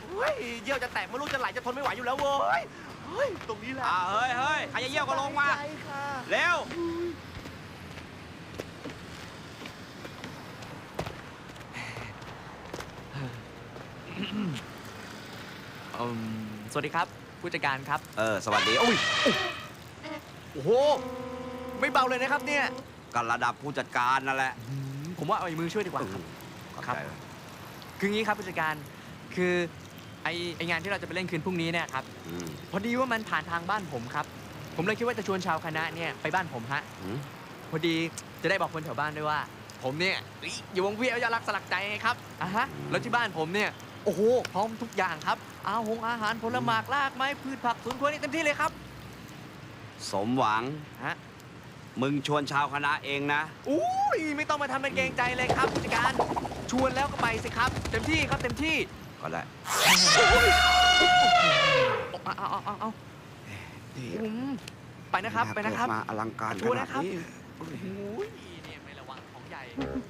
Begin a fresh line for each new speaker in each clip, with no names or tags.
เฮ้ยเยี่ยวจะแตกไม่รู้จะไหลจะทนไม่ไหวอยู่แล้วเว้ยเฮ้ยตรงนี้แหละ
เฮ้ยใครจะเยี่ยวก็ลงมาเร็ว
สวัสดีครับผู้จัดการครับ
สวัสดีอุ้ย
โอ้โหไม่เบาเลยนะครับเนี่ย
ก็ระดับผู้จัดการนั่นแหละ
ผมว่าเอามือช่วยดีกว่าครับ
ครับ
คืองี้ครับผู้จัดการคือไองานที่เราจะไปเล่นคืนพรุ่งนี้เนี่ยครับพอดีว่ามันผ่านทางบ้านผมครับผมเลยคิดว่าจะชวนชาวคณะเนี่ยไปบ้านผมฮะพอดีจะได้บอกคนแถวบ้านด้วยว่า ผมเนี่ยอยู่วงเวียนยารักสลักใจไงครับแล้วที่บ้านผมเนี่ยโอ้โหพร้อมทุกอย่างครับอาหารผลไม้รากไม้พืชผักสวนครัวนี่เต็มที่เลยครับ
สมหวัง
ฮะ
มึงชวนชาวคณะเองนะ
อุ้ยไม่ต้องมาทำเป็นเกรงใจเลยครับผู้จัดการชวนแล้วก็ไปสิครับเต็มที่ครับเต็มที่
ก็ได้
เอาไปนะครับไปนะครับ
มาอลังการ
ชวนนะครับ
ขนาดนี้
โอ้ยเนี่ยไม่ระวังของใหญ่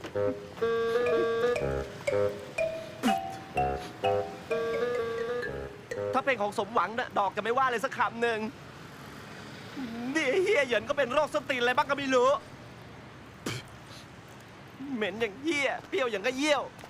ถ้าเป็นของสมหวังนะดอกจะไม่ว่าเลยสักคำหนึ่งนี่เฮียเหยินก็เป็นโรคส้นตีนอะไรบ้างก็ไม่รู้เหม็นอย่างเฮียเปรี้ยวอย่างก็เยี่ยว